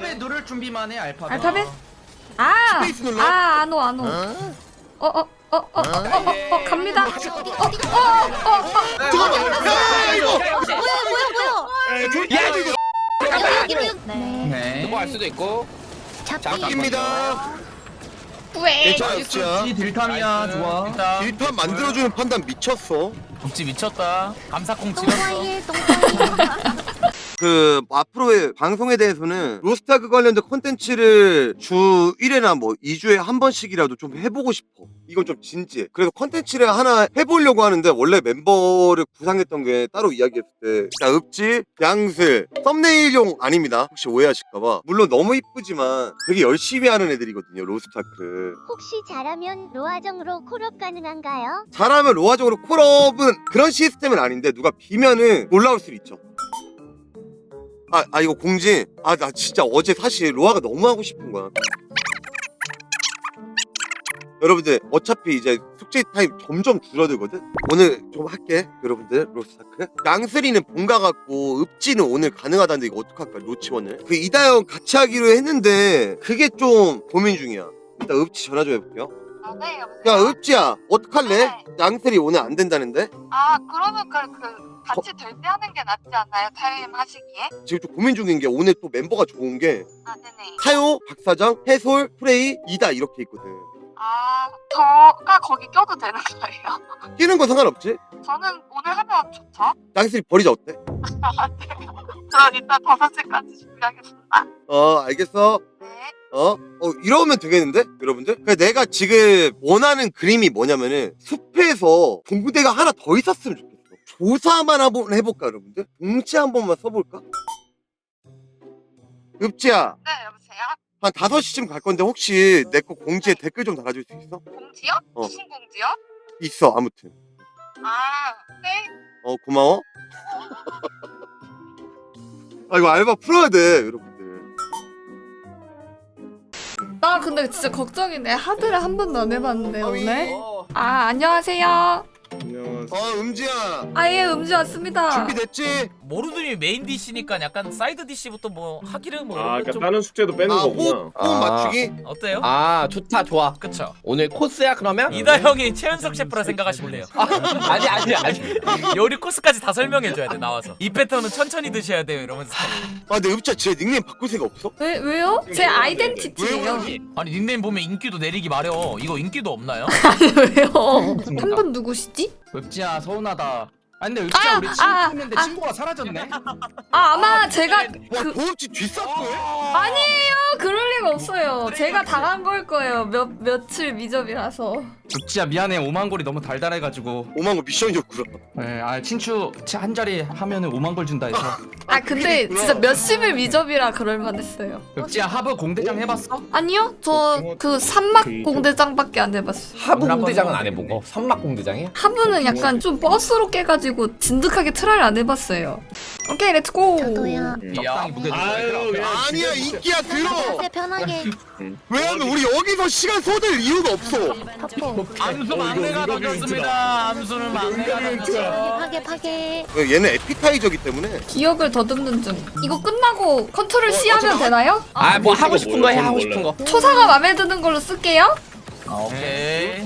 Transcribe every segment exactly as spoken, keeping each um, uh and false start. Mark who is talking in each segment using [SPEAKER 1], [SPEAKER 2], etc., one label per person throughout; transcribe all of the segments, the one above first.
[SPEAKER 1] 알파벳 누를 준비만 해. 알파벳.
[SPEAKER 2] 알파벳? 아!
[SPEAKER 3] 스페이스 눌러?
[SPEAKER 2] 아, 안오, 안오. 어, 어, 어, 어, 어, 어, 어, 어, 갑니다. 어, 어, 어, 어.
[SPEAKER 3] 잠깐만. 야 이거.
[SPEAKER 4] 뭐야 뭐야 뭐야?
[SPEAKER 3] 야 이거.
[SPEAKER 4] 여기 여기 여기. 네.
[SPEAKER 1] 네.
[SPEAKER 5] 누구 할 수도 있고.
[SPEAKER 3] 잡힙니다.
[SPEAKER 2] 왜?
[SPEAKER 3] 괜찮아 읍지야.
[SPEAKER 1] 이 딜탐이야. 좋아.
[SPEAKER 5] 일단
[SPEAKER 3] 일판 만들어주는 판단 미쳤어.
[SPEAKER 5] 읍지 미쳤다. 감사콩 찍었어.
[SPEAKER 4] 똥파이에 똥파이.
[SPEAKER 3] 그 앞으로의 방송에 대해서는 로스트아크 관련된 콘텐츠를 주 일 회나 뭐 이 주에 한 번씩이라도 좀 해보고 싶어. 이건 좀 진지해. 그래서 콘텐츠를 하나 해보려고 하는데 원래 멤버를 구상했던 게 따로 이야기했을 때 자, 읍지, 양슬, 썸네일용 아닙니다. 혹시 오해하실까봐. 물론 너무 이쁘지만 되게 열심히 하는 애들이거든요. 로스트아크.
[SPEAKER 6] 혹시 잘하면 로아정으로 콜업 가능한가요?
[SPEAKER 3] 잘하면 로아적으로 콜업은 그런 시스템은 아닌데 누가 비면은 올라올 수 있죠. 아, 아 이거 공지. 아 나 진짜 어제 사실 로아가 너무 하고 싶은 거야. 여러분들 어차피 이제 숙제 타임 점점 줄어들거든. 오늘 좀 할게 여러분들. 로스타크 양슬이는 본가 같고 읍지는 오늘 가능하다는데 이거 어떡할까 로치원을. 그 이다영 같이 하기로 했는데 그게 좀 고민 중이야. 일단 읍지 전화 좀 해볼게요.
[SPEAKER 7] 아, 네, 여보세요?
[SPEAKER 3] 야 읍지야 어떡할래?
[SPEAKER 7] 네.
[SPEAKER 3] 양슬이 오늘 안 된다는데?
[SPEAKER 7] 아, 그러면 그, 그 같이 될 때 하는 게 낫지 않나요? 타임 하시기에?
[SPEAKER 3] 지금 좀 고민 중인 게 오늘 또 멤버가 좋은 게
[SPEAKER 7] 아, 네네.
[SPEAKER 3] 타요, 박사장, 해솔, 프레이, 이다 이렇게 있거든.
[SPEAKER 7] 아, 저가 거기 껴도 되는 거예요?
[SPEAKER 3] 끼는 건 상관없지?
[SPEAKER 7] 저는 오늘 하면 좋죠?
[SPEAKER 3] 양슬이 버리자 어때?
[SPEAKER 7] 아, 네. 저 이따 다섯 시까지 준비하겠습니다.
[SPEAKER 3] 어 알겠어.
[SPEAKER 7] 네.
[SPEAKER 3] 어? 어 이러면 되겠는데? 여러분들? 그러니까 내가 지금 원하는 그림이 뭐냐면은 숲에서 공부대가 하나 더 있었으면 좋겠어. 조사만 한번 해볼까 여러분들? 동치 한 번만 써볼까? 읍지야
[SPEAKER 7] 네, 여보세요?
[SPEAKER 3] 한 다섯 시쯤 갈 건데 혹시 내 거 공지에 댓글 좀 달아줄 수 있어?
[SPEAKER 7] 공지요?
[SPEAKER 3] 어.
[SPEAKER 7] 무슨 공지요?
[SPEAKER 3] 있어 아무튼.
[SPEAKER 7] 아, 네.
[SPEAKER 3] 어 고마워. 아 이거 알바 풀어야 돼 여러분들.
[SPEAKER 2] 나 근데 진짜 걱정이네. 하드를 한 번도 안 해봤는데,
[SPEAKER 3] 어이.
[SPEAKER 2] 오늘. 아, 안녕하세요.
[SPEAKER 3] 어 음지야
[SPEAKER 2] 아예 음주 왔습니다.
[SPEAKER 3] 준비됐지?
[SPEAKER 5] 모르드님이 메인 디시니까 약간 사이드 디시부터 뭐 하기를 뭐
[SPEAKER 8] 아,
[SPEAKER 5] 이런
[SPEAKER 8] 그러니까
[SPEAKER 5] 좀
[SPEAKER 8] 다른 숙제도 빼는
[SPEAKER 3] 아
[SPEAKER 8] 거구나.
[SPEAKER 3] 호흡, 호흡
[SPEAKER 9] 아.
[SPEAKER 3] 맞추기?
[SPEAKER 5] 어때요?
[SPEAKER 9] 아 좋다 좋아.
[SPEAKER 5] 그쵸?
[SPEAKER 9] 오늘 코스야 그러면?
[SPEAKER 5] 이다 형이 최연석 셰프라 생각하시면 돼요.
[SPEAKER 9] 아니 아니 아니.
[SPEAKER 5] 요리 코스까지 다 설명해줘야 돼 나와서. 이 패턴은 천천히 드셔야 돼요 이러면서.
[SPEAKER 3] 아 근데 읍지야 쟤 닉네임 바꿀 생각 없어?
[SPEAKER 2] 왜, 왜요? 제 아이덴티티예요.
[SPEAKER 5] 아니 닉네임 보면 인기도 내리기 마려. 이거 인기도 없나요?
[SPEAKER 2] 왜요? 한 분 누구시지?
[SPEAKER 1] 읍지야 서운하다. 아 근데 읍지야
[SPEAKER 2] 아,
[SPEAKER 1] 우리
[SPEAKER 2] 아,
[SPEAKER 1] 친구였는데
[SPEAKER 2] 아.
[SPEAKER 1] 친구가 사라졌네.
[SPEAKER 2] 아, 아마 제가
[SPEAKER 3] 와
[SPEAKER 2] 그
[SPEAKER 3] 고음치 뒷사포해?
[SPEAKER 2] 아니에요. 그럴 리가 없어요. 제가 당한 걸 거예요. 몇 며칠 미접이라서.
[SPEAKER 1] 읍지야 미안해. 오만 골이 너무 달달해가지고.
[SPEAKER 3] 오만 거 미션이었구나.
[SPEAKER 1] 네, 아 친추 한 자리 하면은 오만 골 준다 해서.
[SPEAKER 2] 아, 근데 진짜 몇십일 미접이라 그럴 만했어요.
[SPEAKER 1] 읍지야 하브 공대장 해봤어?
[SPEAKER 2] 아니요. 저 그 산막 공대장밖에 안 해봤어요.
[SPEAKER 9] 하부 공대장은 안 해보고 선막 공대장이야?
[SPEAKER 2] 하부는 약간 좀 버스로 깨가지고 진득하게 트라이를 안 해봤어요. 오케이, 렛츠고.
[SPEAKER 4] 저도요.
[SPEAKER 1] 적당히 무게 좀
[SPEAKER 8] 아유,
[SPEAKER 1] 해라.
[SPEAKER 8] 그냥
[SPEAKER 3] 아니야
[SPEAKER 8] 진짜-
[SPEAKER 3] 인기야 들어.
[SPEAKER 4] 편하게 편하게.
[SPEAKER 3] 왜냐면 우리 여기서 시간 쏟을 이유가 없어.
[SPEAKER 4] 파포.
[SPEAKER 5] 암수
[SPEAKER 8] 어,
[SPEAKER 5] 막내가
[SPEAKER 8] 이거
[SPEAKER 5] 던졌습니다. 암수는 막내가 던졌어요.
[SPEAKER 4] 파게 파게.
[SPEAKER 3] 얘는 에피타이저기 때문에.
[SPEAKER 2] 기억을 더듬는 중. 이거 끝나고 컨트롤 C 하면 되나요?
[SPEAKER 9] 아 뭐 하고
[SPEAKER 8] 이거
[SPEAKER 9] 싶은 거 해
[SPEAKER 8] 몰라,
[SPEAKER 9] 하고
[SPEAKER 8] 몰라.
[SPEAKER 9] 싶은 거.
[SPEAKER 2] 초사가 마음에 드는 걸로 쓸게요.
[SPEAKER 5] 아, 오케이.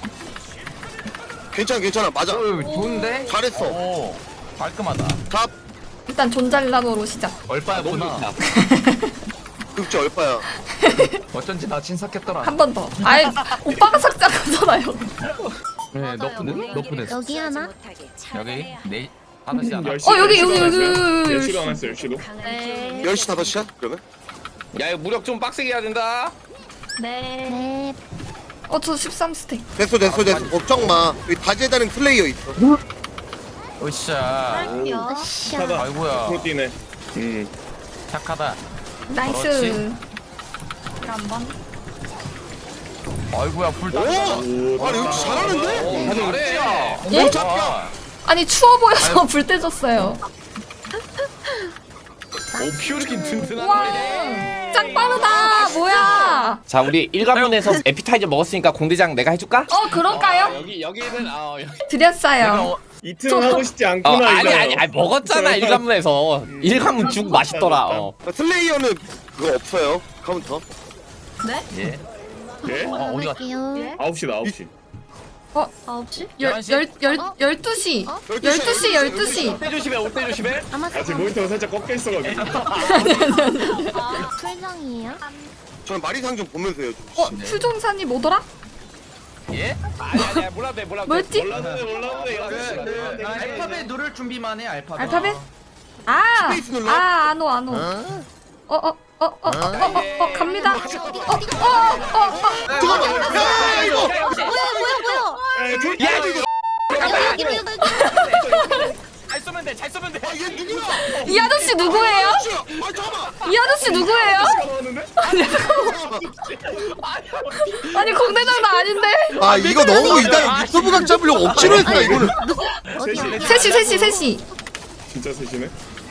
[SPEAKER 3] 괜찮아 괜찮아 맞아.
[SPEAKER 1] 어, 좋은데?
[SPEAKER 3] 잘했어.
[SPEAKER 5] 오 깔끔하다.
[SPEAKER 3] 갑
[SPEAKER 2] 일단 존잘남으로 시작.
[SPEAKER 1] 얼빠였구나.
[SPEAKER 3] 읍지 얼빠야.
[SPEAKER 1] 어쩐지 나 친삭했더라.
[SPEAKER 2] 한 번 더. 아이, 오빠가 삭제하잖아요.
[SPEAKER 1] 네, 너프네? 너프네.
[SPEAKER 4] 여기 하나.
[SPEAKER 5] 여기 네 하나씩 하나.
[SPEAKER 8] 열 시,
[SPEAKER 2] 어, 여기,
[SPEAKER 8] 열 시도
[SPEAKER 2] 여기,
[SPEAKER 8] 안 했어요?
[SPEAKER 2] 여기, 여기,
[SPEAKER 8] 열 시도 안 했어, 열 시도.
[SPEAKER 4] 네.
[SPEAKER 3] 열 시 다섯 시야 그러면?
[SPEAKER 9] 야 이거 무력 좀 빡세게 해야 된다.
[SPEAKER 4] 네.
[SPEAKER 2] 어, 저 십삼 스택.
[SPEAKER 3] 됐어 됐어 됐어 걱정 마. 여기 다재다능 플레이어 있어.
[SPEAKER 5] 으쌰.
[SPEAKER 4] 으쌰.
[SPEAKER 8] 하다.
[SPEAKER 5] 아이고야.
[SPEAKER 8] 프로틴에. 음.
[SPEAKER 5] 착하다.
[SPEAKER 2] 나이스.
[SPEAKER 5] 그렇지. 아이고야 불
[SPEAKER 3] 오!
[SPEAKER 5] 다.
[SPEAKER 8] 오,
[SPEAKER 3] 아니 읍지 잘하는데?
[SPEAKER 9] 다들 잘해.
[SPEAKER 2] 예?
[SPEAKER 5] 아,
[SPEAKER 2] 아니, 추워 보여서 불 떼졌어요.
[SPEAKER 9] 오 피오르킨 든든하네.
[SPEAKER 2] 와, 짱 빠르다. 뭐야?
[SPEAKER 9] 자 우리 일관문에서 에피타이저 먹었으니까 공대장 내가 해줄까?
[SPEAKER 2] 어, 그럴까요?
[SPEAKER 9] 여기 여기는 아 여기.
[SPEAKER 2] 드렸어요.
[SPEAKER 8] 이틀은 하고 싶지
[SPEAKER 9] 어
[SPEAKER 8] 않구나.
[SPEAKER 9] 아니
[SPEAKER 8] 이거.
[SPEAKER 9] 아니 아니 먹었잖아 일관문에서. 일관문 죽 맛있더라. 어.
[SPEAKER 3] 슬레이어는 그거 없어요. 카운터.
[SPEAKER 5] 예.
[SPEAKER 8] 예?
[SPEAKER 5] 어 어디 갔?
[SPEAKER 4] 갈게요.
[SPEAKER 8] 아홉 시다 아홉 시.
[SPEAKER 4] 아홉 시?
[SPEAKER 5] 열한 시?
[SPEAKER 2] 열열 열두 시. 열두 시 열두 시.
[SPEAKER 9] 올때 조심해 올 때 조심해.
[SPEAKER 4] 아마
[SPEAKER 8] 아 지금 모니터가 살짝 꺾여 있어가지고.
[SPEAKER 4] 아, 풀장이에요?
[SPEAKER 3] 저는 마리상 좀 보면서 해요. 좀.
[SPEAKER 2] 어 수종사님 뭐더라?
[SPEAKER 5] 예?
[SPEAKER 9] 아니 아니야 몰라도 돼 몰라도 돼.
[SPEAKER 2] 뭐였지?
[SPEAKER 8] 몰라도 몰라도
[SPEAKER 1] 네, 네. 알파벳 누를 준비만 해 알파벳.
[SPEAKER 2] 알파벳? 아,
[SPEAKER 3] 스페이스 눌러?
[SPEAKER 2] 아, 안오, 안오. 어, 어, 어, 어, 어, 어, 어, 어, 갑니다. 어, 어, 어, 어, 어.
[SPEAKER 3] 잠깐만. 야 이거.
[SPEAKER 4] 뭐야 뭐야 뭐야?
[SPEAKER 8] 야 이거.
[SPEAKER 4] 여기 여기 여기.
[SPEAKER 5] 잘 쏘면 돼. 잘 쏘면 돼.
[SPEAKER 3] 얘 누구야?
[SPEAKER 2] 이 아저씨 누구예요?
[SPEAKER 3] 아 잠깐만.
[SPEAKER 2] 이 아저씨 누구예요?
[SPEAKER 8] 나왔는데?
[SPEAKER 2] 아니, 공대장도 아닌데.
[SPEAKER 3] 아 이거 너무 이따 유튜브 각 잡으려고 억지로 했다 이거는.
[SPEAKER 4] 어디야?
[SPEAKER 2] 셋이, 셋이, 셋이.
[SPEAKER 8] 진짜 셋이네.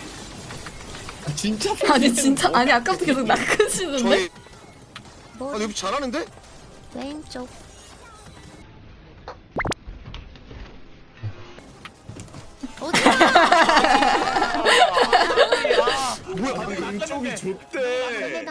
[SPEAKER 9] 진짜
[SPEAKER 2] 아니, 진짜, 아니, 아까부터 계속 낚으시는데?
[SPEAKER 3] 저희
[SPEAKER 4] 뭐
[SPEAKER 3] 아 여기 잘하는데?
[SPEAKER 4] 왼쪽. 어디야?
[SPEAKER 8] 뭐야? 왼쪽이 좋대.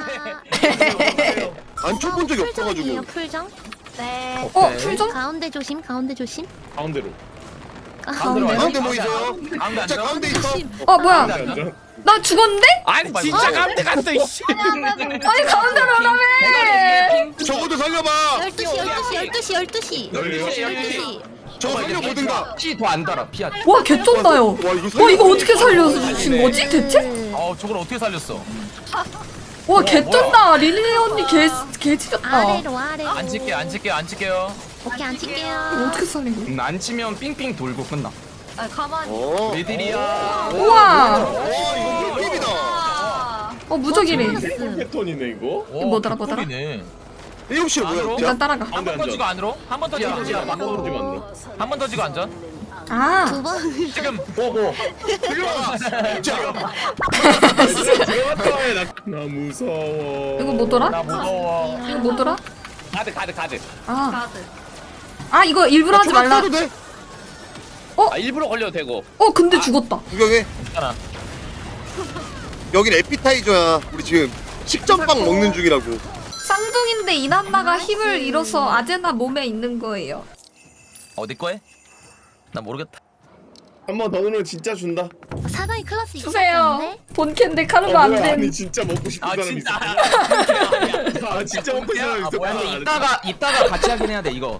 [SPEAKER 3] 안 쳐본 적이 없어가지고.
[SPEAKER 4] 풀장? 네.
[SPEAKER 2] 어, 풀정?
[SPEAKER 4] 가운데 조심. 가운데 조심.
[SPEAKER 8] 가운데로.
[SPEAKER 4] 가운데.
[SPEAKER 3] 가운데 뭐 있어요?
[SPEAKER 5] 가운데
[SPEAKER 3] 자
[SPEAKER 5] 앉아.
[SPEAKER 3] 가운데 있어.
[SPEAKER 2] 어, 뭐야.
[SPEAKER 8] 앉아.
[SPEAKER 2] 나 죽었는데?
[SPEAKER 9] 아니 진짜 가운데 갔어 이씨.
[SPEAKER 2] 아니, 가운데로 오라며.
[SPEAKER 3] 저거도 살려봐.
[SPEAKER 4] 열두 시 열두 시 열두 시 열두 시.
[SPEAKER 8] 열두 시,
[SPEAKER 4] 열두 시.
[SPEAKER 3] 저거 살려보든가.
[SPEAKER 1] 피 더 안 달아 피하.
[SPEAKER 2] 와, 개쩐다요.
[SPEAKER 3] 와 이거
[SPEAKER 2] 와,
[SPEAKER 3] 살려.
[SPEAKER 2] 이거 어떻게 살려주신 거지, 대체?
[SPEAKER 5] 어 저걸 어떻게 살렸어?
[SPEAKER 2] 와, 개쩐다. 릴리 언니 개, 개 찢었다.
[SPEAKER 4] 아래로 아래로.
[SPEAKER 5] 안 칠게요. 안 칠게요. 안 칠게요.
[SPEAKER 4] 오케이 안
[SPEAKER 2] 이거
[SPEAKER 4] 칠게요.
[SPEAKER 2] 어떻게 살린 거야?
[SPEAKER 1] 음, 안 치면 삥삥 돌고 끝나.
[SPEAKER 3] 어.
[SPEAKER 1] 왜들이야?
[SPEAKER 2] 우와.
[SPEAKER 3] 와 이거 물집이다.
[SPEAKER 2] 어, 무적이래.
[SPEAKER 8] 폴 패턴이네 이거.
[SPEAKER 5] 오,
[SPEAKER 2] 뭐더라, 뭐더라?
[SPEAKER 5] 꿀이네.
[SPEAKER 3] 일곱 시에 뭐야?
[SPEAKER 5] 안으로?
[SPEAKER 2] 일단 따라가.
[SPEAKER 5] 한 번 더 지고 안으로? 한 번 더 지고
[SPEAKER 1] 야,
[SPEAKER 5] 안으로?
[SPEAKER 1] 야,
[SPEAKER 8] 막 떨어지면 안 돼.
[SPEAKER 5] 한 번 더 지고 안전?
[SPEAKER 2] 아.
[SPEAKER 4] 두 번.
[SPEAKER 5] 지금
[SPEAKER 8] 보고.
[SPEAKER 3] 자
[SPEAKER 8] 들어갔다 해. 나, 나 무서워.
[SPEAKER 2] 이거 뭐더라?
[SPEAKER 5] 나 무서워.
[SPEAKER 2] 이거 뭐더라?
[SPEAKER 9] 가드 가드 가드.
[SPEAKER 2] 아. 아, 이거 일부러 하지 말라.
[SPEAKER 3] 써도 돼?
[SPEAKER 9] 아 일부러 걸려도 되고.
[SPEAKER 2] 어, 근데 죽었다.
[SPEAKER 3] 구경해.
[SPEAKER 5] 괜찮아.
[SPEAKER 3] 여긴 에피타이저야. 우리 지금 식전빵 먹는 중이라고.
[SPEAKER 2] 쌍둥이인데 이난나가 힘을 잃어서 아제나 몸에 있는 거예요.
[SPEAKER 5] 어디 거에? 나 모르겠다.
[SPEAKER 8] 한 번 더 누르면 진짜 준다.
[SPEAKER 4] 사나이 클래스
[SPEAKER 2] 주세요.
[SPEAKER 4] 있었는데?
[SPEAKER 2] 본캔데 카르마
[SPEAKER 8] 아,
[SPEAKER 2] 안
[SPEAKER 8] 뭐야? 아니
[SPEAKER 2] 된.
[SPEAKER 8] 진짜 먹고 싶은
[SPEAKER 5] 아
[SPEAKER 8] 사람
[SPEAKER 5] 진짜.
[SPEAKER 8] 있어. 아 진짜 먹고 싶은 사람
[SPEAKER 5] 아,
[SPEAKER 8] 있어.
[SPEAKER 5] 뭐야,
[SPEAKER 1] 근데 이따가 이따가 같이 하긴 해야 돼 이거.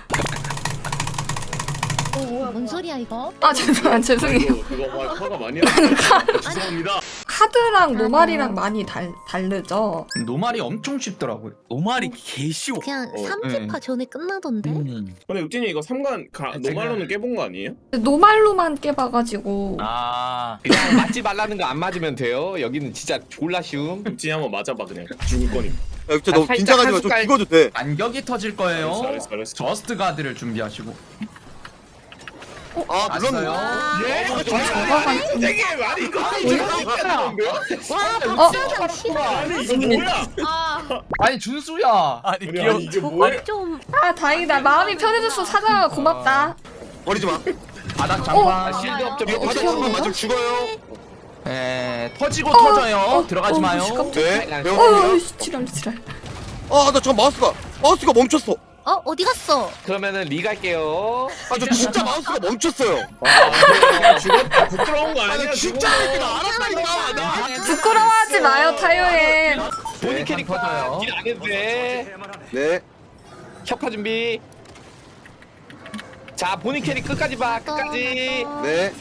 [SPEAKER 4] 뭔 소리야 이거?
[SPEAKER 2] 아, 죄송해요. 죄송해요.
[SPEAKER 8] 이거 그거 화- 화가 많이 나. 죄송합니다.
[SPEAKER 2] 카드랑 노말이랑 많이 달, 다르죠.
[SPEAKER 1] 노말이 엄청 쉽더라고요.
[SPEAKER 5] 노말이 개쉬워.
[SPEAKER 4] 그냥
[SPEAKER 1] 어,
[SPEAKER 4] 삼 집 화 전에 끝나던데?
[SPEAKER 5] 음.
[SPEAKER 8] 근데 육진이 이거 삼관 가, 노말로는 깨본 거 아니에요?
[SPEAKER 2] 노말로만 깨봐가지고.
[SPEAKER 5] 아.
[SPEAKER 9] 그냥 맞지 말라는 거 안 맞으면 돼요. 여기는 진짜 졸라 쉬움.
[SPEAKER 8] 육진이 한번 맞아봐 그냥. 죽을 거니까.
[SPEAKER 3] 야 진짜 너
[SPEAKER 9] 살짝
[SPEAKER 3] 긴장하지
[SPEAKER 9] 한
[SPEAKER 3] 마. 좀
[SPEAKER 9] 숟갈-
[SPEAKER 3] 비거도 돼.
[SPEAKER 1] 안격이 터질 거예요.
[SPEAKER 8] 잘했어, 잘했어.
[SPEAKER 1] 저스트 가드를 준비하시고.
[SPEAKER 3] 아 물론.
[SPEAKER 4] 아,
[SPEAKER 8] 예? 이거 되게 많이 이거
[SPEAKER 2] 어?
[SPEAKER 4] 세상 싫어.
[SPEAKER 8] 아니 이거 뭐야?
[SPEAKER 1] 아니 준수야.
[SPEAKER 5] 아니
[SPEAKER 8] 아니
[SPEAKER 5] 귀여워.
[SPEAKER 8] 아니 이게 뭐야?
[SPEAKER 4] 좀
[SPEAKER 2] 아, 다행이다. 마음이 편해졌어. 사장아, 고맙다.
[SPEAKER 3] 버리지 마.
[SPEAKER 1] 바닥
[SPEAKER 2] 어?
[SPEAKER 1] 장판.
[SPEAKER 9] 아, 실드 업점
[SPEAKER 3] 이거 바닥 한번 맞으면 죽어요.
[SPEAKER 1] 에 터지고
[SPEAKER 2] 어,
[SPEAKER 1] 터져요.
[SPEAKER 2] 어,
[SPEAKER 1] 들어가지
[SPEAKER 2] 어,
[SPEAKER 1] 마요.
[SPEAKER 2] 씨, 깜짝이야.
[SPEAKER 3] 네.
[SPEAKER 2] 어,
[SPEAKER 3] 배웠습니다.
[SPEAKER 2] 지랄, 지랄.
[SPEAKER 3] 아나 저 마우스가 마우스가 멈췄어.
[SPEAKER 4] 어 어디 갔어?
[SPEAKER 9] 그러면은 리 갈게요.
[SPEAKER 3] 아 저 진짜 마우스가 멈췄어요.
[SPEAKER 8] 아 죽었다. 부끄러운 거
[SPEAKER 3] 아
[SPEAKER 8] 아니야?
[SPEAKER 3] 나 진짜
[SPEAKER 8] 죽은
[SPEAKER 3] 이거
[SPEAKER 8] 거.
[SPEAKER 3] 알았다니까. 나.
[SPEAKER 2] 부끄러워하지 마요, 타요엔.
[SPEAKER 9] 본인
[SPEAKER 1] 네,
[SPEAKER 9] 캐릭터
[SPEAKER 1] 터져요.
[SPEAKER 9] 딜안 해도 돼.
[SPEAKER 3] 네.
[SPEAKER 9] 협화 준비. 자 본인 캐릭 끝까지 봐. 끝까지.
[SPEAKER 3] 네.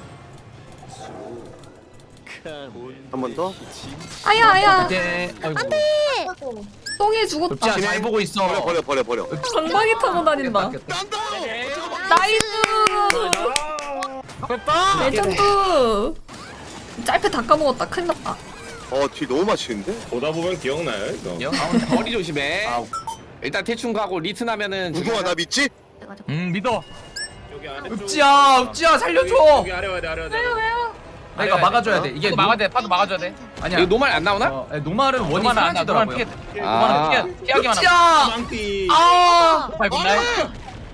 [SPEAKER 3] 한 번 더.
[SPEAKER 2] 아야, 아야.
[SPEAKER 1] 이제 아이고.
[SPEAKER 2] 똥이 죽었다.
[SPEAKER 1] 읍지야 잘 보고 있어.
[SPEAKER 3] 버려 버려 버려 버려.
[SPEAKER 2] 방망이 타고 다닌다.
[SPEAKER 3] 딴다.
[SPEAKER 2] 나이스!
[SPEAKER 5] 됐다.
[SPEAKER 2] 레전드! 짧게 다 까먹었다. 큰일 났다.
[SPEAKER 3] 어뒤 너무 맛있는데?
[SPEAKER 8] 보다 보면 기억나요 이거.
[SPEAKER 9] 거리 조심해. 일단 대충 가고 리튼 하면은
[SPEAKER 3] 누구야 나 믿지?
[SPEAKER 5] 음 믿어.
[SPEAKER 8] 여기 아래
[SPEAKER 1] 읍지야 읍지야 살려줘.
[SPEAKER 8] 여기 아래 와야 돼 아래 와야 돼.
[SPEAKER 2] 왜요, 왜요?
[SPEAKER 1] 내가 막아줘야 돼.
[SPEAKER 5] 이게
[SPEAKER 1] 이게
[SPEAKER 5] 막아야 돼. 파도 막아줘야 돼.
[SPEAKER 1] 아니야.
[SPEAKER 9] 이거 노말 안 나오나?
[SPEAKER 1] 어, 에, 노말은 원이
[SPEAKER 5] 노말은 안 나. 노말은
[SPEAKER 1] 사라지더라고요.
[SPEAKER 5] 피해.
[SPEAKER 9] 아.
[SPEAKER 5] 노말은 피해. 피하기만 하면.
[SPEAKER 1] 읍지야.
[SPEAKER 8] 망띠.
[SPEAKER 1] 아.
[SPEAKER 5] 팔 굿나잇.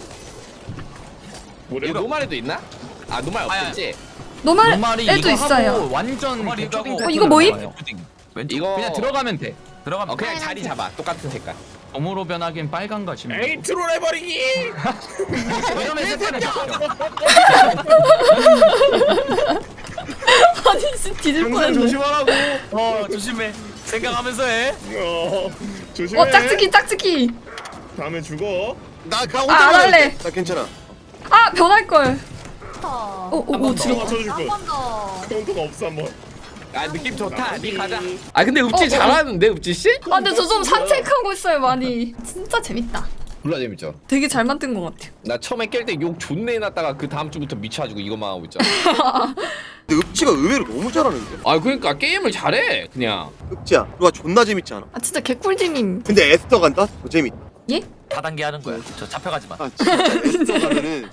[SPEAKER 9] 이거 노말에도 있나? 아 노말 없겠지?
[SPEAKER 2] 노말
[SPEAKER 1] 노말이
[SPEAKER 2] 애도
[SPEAKER 1] 이거
[SPEAKER 2] 있어요.
[SPEAKER 1] 하고 완전
[SPEAKER 5] 노말이
[SPEAKER 1] 그 초딩
[SPEAKER 5] 이거 하고.
[SPEAKER 2] 어, 이거 뭐임?
[SPEAKER 1] 패턴으로 나와요.
[SPEAKER 5] 왼쪽
[SPEAKER 9] 이거
[SPEAKER 1] 그냥 들어가면 돼.
[SPEAKER 5] 들어가면
[SPEAKER 9] 어 그냥 자리 잡아 똑같은 색깔.
[SPEAKER 1] 검으로 변하긴 빨간 거 지금.
[SPEAKER 8] 에이 트롤 해버리기.
[SPEAKER 1] 이러면 색깔이 바뀌어.
[SPEAKER 2] 아니 진짜 뒤질
[SPEAKER 8] 항상
[SPEAKER 2] 뻔했네.
[SPEAKER 8] 조심하라고.
[SPEAKER 5] 어 조심해 생각하면서 해.
[SPEAKER 8] 어 조심해.
[SPEAKER 2] 어 짝짓기 짝짓기.
[SPEAKER 8] 다음에 죽어.
[SPEAKER 3] 나가
[SPEAKER 2] 아, 안 할래.
[SPEAKER 3] 나 괜찮아.
[SPEAKER 2] 아 변할 걸. 어, 어, 어,
[SPEAKER 8] 더
[SPEAKER 2] 지금.
[SPEAKER 8] 맞춰줄 거.
[SPEAKER 4] 더.
[SPEAKER 8] 똥똥 없어 한번.
[SPEAKER 9] 아 느낌 좋다. 니 가자. 아 근데 읍지
[SPEAKER 2] 어, 어.
[SPEAKER 9] 잘하는데 읍지 씨?
[SPEAKER 2] 아, 근데 저 좀 산책하고 있어요, 많이. 진짜 재밌다.
[SPEAKER 9] 몰라 재밌죠.
[SPEAKER 2] 되게 잘 만든 것 같아요.
[SPEAKER 9] 나 처음에 깰 때 욕 존내 해놨다가 그 다음 주부터 미쳐가지고 이것만 하고 있잖아.
[SPEAKER 3] 근데 읍지가 의외로 너무 잘하는데.
[SPEAKER 9] 아 그러니까 게임을 잘해 그냥.
[SPEAKER 3] 읍지야, 그거 존나 재밌지 않아?
[SPEAKER 2] 아, 진짜 개꿀잼임.
[SPEAKER 3] 근데 에스터 간다? 더 재밌다.
[SPEAKER 2] 예?
[SPEAKER 5] 다단계 하는 거야. 저 잡혀가지 마.
[SPEAKER 3] 아 진짜 에스터 가면은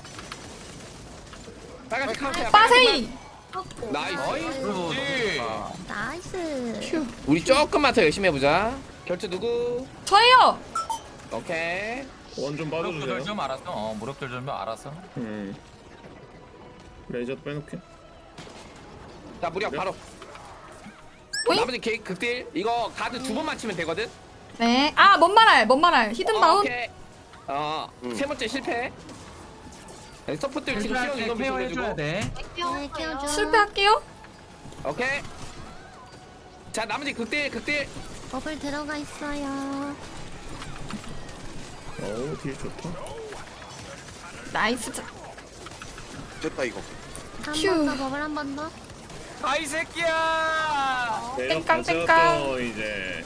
[SPEAKER 9] 빨간색 카운트야.
[SPEAKER 2] 빠세이!
[SPEAKER 9] 나이스.
[SPEAKER 5] 나이스.
[SPEAKER 4] 나이스.
[SPEAKER 2] 휴.
[SPEAKER 9] 우리 조금만 더 열심히 해보자. 결투 누구?
[SPEAKER 2] 저예요!
[SPEAKER 9] 오케이.
[SPEAKER 8] 원좀
[SPEAKER 5] 무력들
[SPEAKER 8] 빠져주세요.
[SPEAKER 5] 좀 알았어. 어, 무력들 좀 알았어.
[SPEAKER 8] 음. 레이저도 빼놓게.
[SPEAKER 9] 자 무력 바로.
[SPEAKER 2] 오잉?
[SPEAKER 9] 나머지 개 극딜 이거 가드 두 번 맞추면 되거든.
[SPEAKER 2] 네. 아, 뭔 말할, 뭔 말할. 히든
[SPEAKER 9] 어,
[SPEAKER 2] 바운.
[SPEAKER 9] 오케이. 어,
[SPEAKER 3] 음.
[SPEAKER 9] 세 번째 실패. 네, 서포트를 지금
[SPEAKER 1] 할
[SPEAKER 9] 시험
[SPEAKER 1] 때
[SPEAKER 9] 이거
[SPEAKER 1] 케어
[SPEAKER 9] 해주고.
[SPEAKER 1] 해줘야 돼.
[SPEAKER 4] 네, 키워줘.
[SPEAKER 2] 실패할게요.
[SPEAKER 9] 오케이. 자 나머지 극딜 극딜.
[SPEAKER 4] 버블 들어가 있어요.
[SPEAKER 8] 어우 딜 좋다.
[SPEAKER 2] 나이스. 자-
[SPEAKER 3] 됐다 이거.
[SPEAKER 4] 한
[SPEAKER 2] 휴.
[SPEAKER 4] 번 더, 버블 한 번 더.
[SPEAKER 5] 아이 새끼야.
[SPEAKER 8] 내가
[SPEAKER 2] 땡깡, 땡깡.
[SPEAKER 8] 가져왔어, 이제.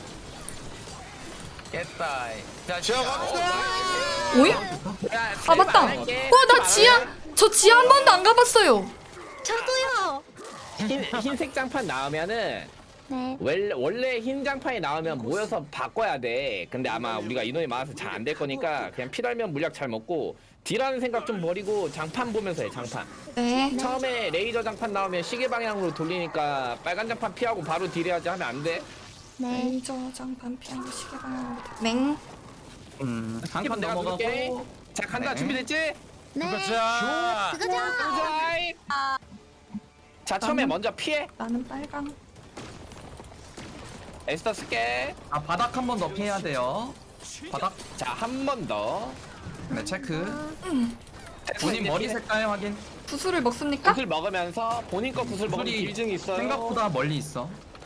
[SPEAKER 5] 깼다. 자,
[SPEAKER 3] 지하 갑시다.
[SPEAKER 2] 오잉?
[SPEAKER 9] 야,
[SPEAKER 2] 아, 맞다. 어, 나 지하, 저 지하 한 번도 안 가봤어요.
[SPEAKER 4] 저도요.
[SPEAKER 9] 흰 흰색 장판 나오면은
[SPEAKER 4] 네.
[SPEAKER 9] 원래 원래 흰 장판이 나오면 모여서 바꿔야 돼. 근데 아마 우리가 인원이 많아서 잘 안 될 거니까 그냥 필요하면 물약 잘 먹고 딜하는 생각 좀 버리고 장판 보면서 해. 장판.
[SPEAKER 2] 네.
[SPEAKER 9] 처음에 레이저 장판 나오면 시계 방향으로 돌리니까 빨간 장판 피하고 바로 딜해야지 하면 안 돼.
[SPEAKER 4] 네.
[SPEAKER 2] 레이저 장판 피하고 시계 방향으로. 맹.
[SPEAKER 1] 음, 한 판
[SPEAKER 9] 내가 누를게.
[SPEAKER 1] 넘어가고.
[SPEAKER 9] 자 간다.
[SPEAKER 1] 네.
[SPEAKER 9] 준비됐지?
[SPEAKER 4] 네.
[SPEAKER 5] 자.
[SPEAKER 4] 그거죠.
[SPEAKER 9] 자 처음에 먼저 피해.
[SPEAKER 2] 나는 빨강.
[SPEAKER 9] 에스터 쓸게.
[SPEAKER 1] 아, 바닥 한 번 더 피해야 돼요. 바닥.
[SPEAKER 9] 자 한 번 더.
[SPEAKER 1] 네, 체크.
[SPEAKER 2] 음.
[SPEAKER 1] 본인 머리 색깔 확인.
[SPEAKER 2] 구슬을 먹습니까?
[SPEAKER 9] 구슬 먹으면서 본인 거 구슬 먹으면
[SPEAKER 1] 구슬이
[SPEAKER 9] 길증이 있어요.
[SPEAKER 1] 생각보다 멀리 있어.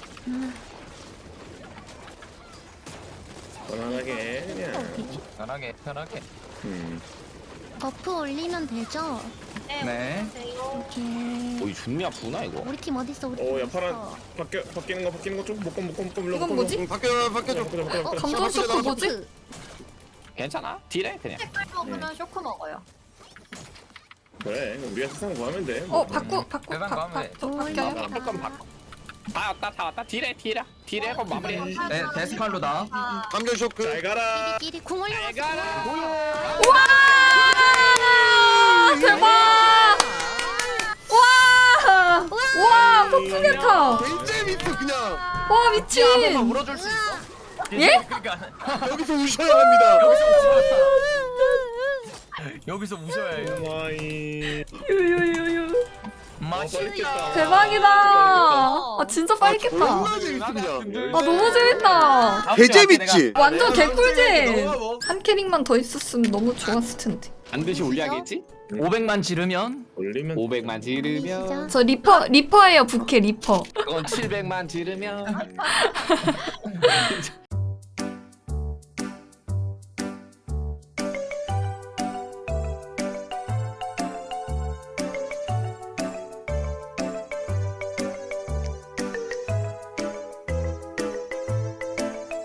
[SPEAKER 8] 편안하게 그냥.
[SPEAKER 5] 편하게 편하게.
[SPEAKER 8] 음.
[SPEAKER 4] 버프 올리면 되죠?
[SPEAKER 1] 네.
[SPEAKER 4] 오케이.
[SPEAKER 9] 오이 존나 아프구나 이거.
[SPEAKER 4] 우리 팀 어딨어? 우리 팀
[SPEAKER 8] 오, 야
[SPEAKER 4] 어딨어?
[SPEAKER 8] 파란 바뀌 바뀌는 거 바뀌는 거좀 묶음 묶음 묶음
[SPEAKER 2] 이건 뭐지?
[SPEAKER 3] 응, 바뀌어 바뀌어줘.
[SPEAKER 4] 어,
[SPEAKER 2] 감전 쇼크 뭐지?
[SPEAKER 9] 괜찮아? 딜해 그냥.
[SPEAKER 4] 그냥 쇼크 먹어요.
[SPEAKER 8] 그래, 우리가 세상 구하면 돼.
[SPEAKER 2] 어, 바꾸, 바꾸,
[SPEAKER 5] 대단
[SPEAKER 2] 바, 바,
[SPEAKER 5] 마음에.
[SPEAKER 2] 저
[SPEAKER 4] 오,
[SPEAKER 2] 바뀌어요?
[SPEAKER 4] 야.
[SPEAKER 9] 바꿀 건 바꿔. 다 왔다 다 왔다 딜해 딜해 딜해 그럼 마무리.
[SPEAKER 1] 네, 데스칼로다.
[SPEAKER 3] 감전 쇼크.
[SPEAKER 8] 잘 가라.
[SPEAKER 4] 끼리 궁 올려놨어.
[SPEAKER 9] 가라.
[SPEAKER 2] 와! 대박! 와! 와, 폭풍개타!
[SPEAKER 3] 개재밌어 그냥.
[SPEAKER 2] 와, 미친!
[SPEAKER 5] 물어줄 수 있어?
[SPEAKER 2] 예?
[SPEAKER 5] 그러니까
[SPEAKER 3] 여기서 우셔야 합니다.
[SPEAKER 5] 여기서 우셔야 해요.
[SPEAKER 8] 마이.
[SPEAKER 2] 유유유유.
[SPEAKER 5] 맛있다.
[SPEAKER 2] 대박이다! 아, 진짜 빨리 깼다.
[SPEAKER 3] 존나 재밌어 그냥.
[SPEAKER 2] 아, 너무 재밌다.
[SPEAKER 3] 개재밌지.
[SPEAKER 2] 완전 개꿀잼! 한 캐릭만 더 있었으면 너무 좋았을 텐데.
[SPEAKER 9] 반드시 올려야겠지?
[SPEAKER 1] 오백만 지르면
[SPEAKER 8] 올리면
[SPEAKER 9] 오백만 지르면
[SPEAKER 2] 저 리퍼, 리퍼예요, 부캐 리퍼.
[SPEAKER 9] 그건 칠백만 지르면